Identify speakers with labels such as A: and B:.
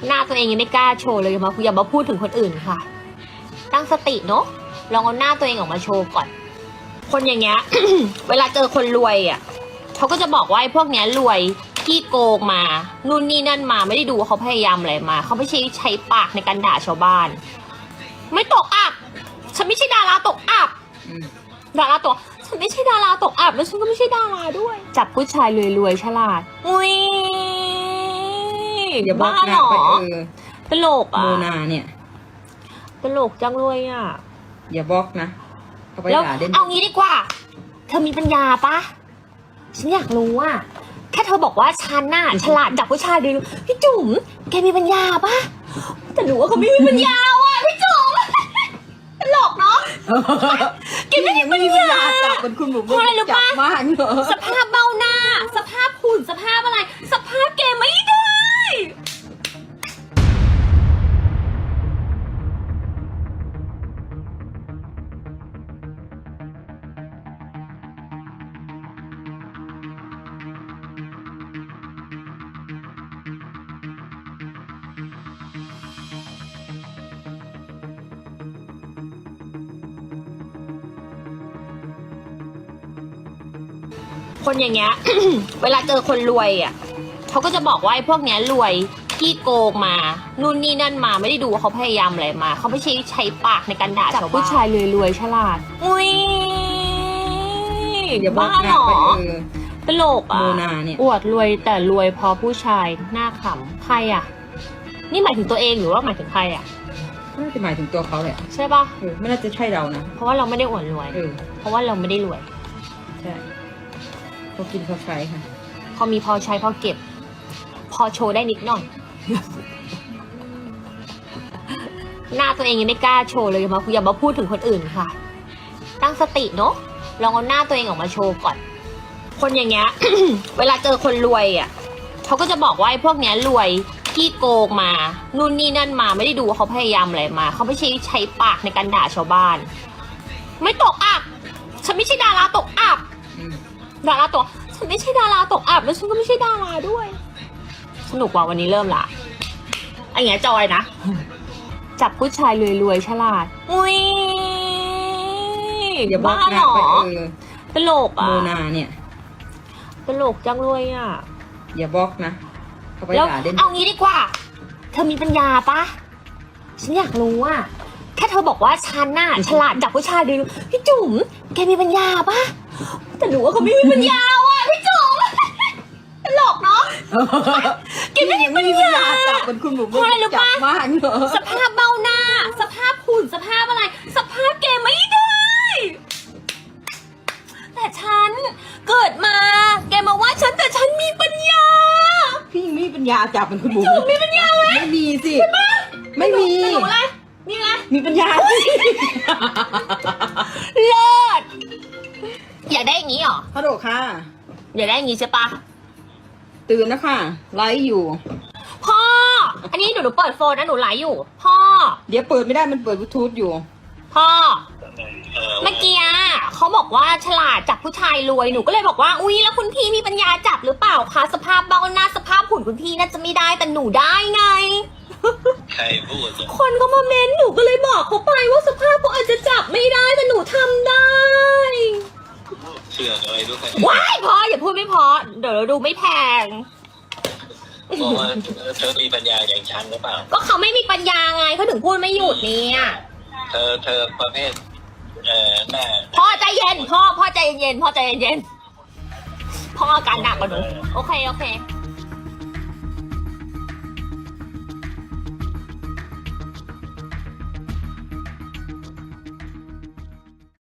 A: หน้าตัวเองยังไม่กล้าโชว์เลยอย่ามาพูดถึงคนอื่นค่ะ ตั้งสติเนาะลองเอาหน้าตัวเองออกมาโชว์ก่อน คนอย่างเงี้ย เวลาเจอคนรวยอ่ะเขาก็จะบอกว่าไอ้พวกเนี้ยรวยที่โกงมานู่นนี่นั่นมาไม่ได้ดูว่าเขาพยายามอะไรมาเขาไม่ใช้ปากในการด่าชาวบ้าน ไม่ตกอับฉันไม่ใช่ดาราตกอับดาราตกฉันไม่ใช่ดาราตกอับแล้วฉันก็ไม่ใช่ดาราด้วย จับผู้ชายรวยๆฉลาดอุ้ย
B: อย่าบอกนะไป
A: ตลกอ่ะ
B: โมนาเนี่ย
A: ตลกจังเลยอ่ะ
B: อย่าบอกนะเอาไป
A: แล้ว
B: ด่าเด่น
A: เอางี้ดีกว่า เธอมีปัญญาปะฉันอยากรู้อ่ะแค่เธอบอกว่าฉันน่ะฉลาดจับผู้ชายดีพี่จุ๋มแกมีปัญญาปะแต่หนูว่าเขาไม่มีปัญญาว่ะพี่จุ๋มตลกเนาะแกไม่มีปัญญา
B: จับเป็นคุณหมู
A: เพราะอะไรรู้ปะ
B: มากเหรอ
A: สภาพเบ้าหน้า สภาพหุ่นสภาพอะไร สภาพแกไม่ได้คนอย่างเงี้ย เวลาเจอคนรวยอ่ะเขาก็จะบอกว่าไอ้พวกเนี้ยรวยที่โกงมานู่นนี่นั่นมาไม่ได้ดูว่าเขาพยายามอะไรมาเขาไม่ใช้ปากในการด่าชาวบ้านผู้ชายรวยๆฉลาดอุ้ย
B: อย่าบอก
A: บ้า
B: นะ
A: เหรอ
B: ไป
A: ตลกอ่ะ
B: โมนาเนี่ย
A: อวดรวยแต่รวยเพอผู้ชายหน้าขำใครอ่ะนี่หมายถึงตัวเองหรือว่าหมายถึงใครอ่ะ
B: น่าจะหมายถึงตัวเขาแหละ
A: ใช่ปะ
B: ไม่น่าจะใช่เรานะ
A: เพราะว่าเราไม่ได้อวดรวยเพราะว่าเราไม่ได้รวย
B: ใช่เขากินเขาใช้ค่ะ
A: เขามีพอใช้พอเก็บ พอโชว์ได้นิดหน่อย หน้าตัวเองยังไม่กล้าโชว์เลยอย่ามาพูดถึงคนอื่นค่ะ ตั้งสติเนาะลองเอาหน้าตัวเองออกมาโชว์ก่อน คนอย่างเงี้ย เวลาเจอคนรวยอ่ะเขาก็จะบอกว่าไอ้พวกเนี้ยรวยที่โกงมานู่นนี่นั่นมาไม่ได้ดูว่าเขาพยายามอะไรมาเขาไม่ใช้ปากในการด่าชาวบ้าน ไม่ตกอับฉันไม่ใช่ดาราตกอับดาราตกฉันไม่ใช่ดาราตกอับแล้วฉันก็ไม่ใช่ดาราด้วย สนุกกว่าวันนี้เริ่มละไอ้เงี้ยจอยนะ จับผู้ชายรวยๆฉลาดอุ้ย
B: อย่าบอก
A: บ้า
B: นะ
A: เหรอ
B: ไป
A: ตลกอ่ะ
B: โมนาเนี่ย
A: ตลกจังเลยอ่ะ
B: อย่าบอกนะเอาไป
A: แล้ว
B: ด่าเด่น
A: เอางี้ดีกว่า เธอมีปัญญาปะฉันอยากรู้อ่ะแค่เธอบอกว่าฉันน่ะฉลาดจับผู้ชายดีพี่จุ๋มแกมีปัญญาปะแต่หนูว่าเขาไม่มีปัญญาว่ะพี่จุ๋มตลกเนาะแกไม่มีปัญญา
B: จับเป็นคุณหมู
A: เพราะอะไรรู้ปะ
B: มากเหรอ
A: สภาพเบ้าหน้า สภาพหุ่นสภาพอะไร สภาพแกไม่ได้ แต่ฉันเกิดมา แกมาว่าฉันแต่ฉันมีปัญญา
B: พี่ยังไม่มีปัญญาจับเป็นคุณหมู
A: จุ๋มมีปัญญาไหม
B: ไม่มีสิไม่มี
A: แต่หนูอะไรนี่ไง
B: มีปัญญาสิ
A: เลิศอยากได้อย่างนี้เหรอ
B: ฮัลโหลค่ะ
A: อยากได้อย่างนี้ใช่ปะ
B: ตื่นนะค่ะไลฟ์อยู่
A: พ่อ อันนี้หนูเปิดโฟนนะหนูไลฟ์อยู่ พ่อ
B: เดี๋ยวเปิดไม่ได้มันเปิดบลูทูธอยู่
A: พ่อ เมื่อกี้เขาบอกว่าฉลาดจับผู้ชายรวยหนูก็เลยบอกว่าอุ๊ยแล้วคุณพี่มีปัญญาจับหรือเปล่าคะสภาพเบ้าหน้าสภาพหุ่นคุณพี่น่าจะไม่ได้แต่หนูได้ไง
C: ใครพูดอ่ะ
A: คนเขามาเม้นหนูก็เลยบอกเขาไปว่าสภาพเขาอาจจะจับไม่ได้แต่หนูทำได้
C: เชื่ออะไรด้วย
A: ว้ายพออย่าพูดไม่พอเดี๋ยวเราดูไม่แพง
C: บอกว่าเธอมีปัญญาอย่างฉันหรือเปล่า
A: ก็เขาไม่มีปัญญาไงเขาถึงพูดไม่หยุดเนี่ย
C: เธอประเภทแม่
A: พ่อใจเย็นพ่อใจเย็นพ่อใจเย็นพ่ออาการหนักกว่าหนูโอเค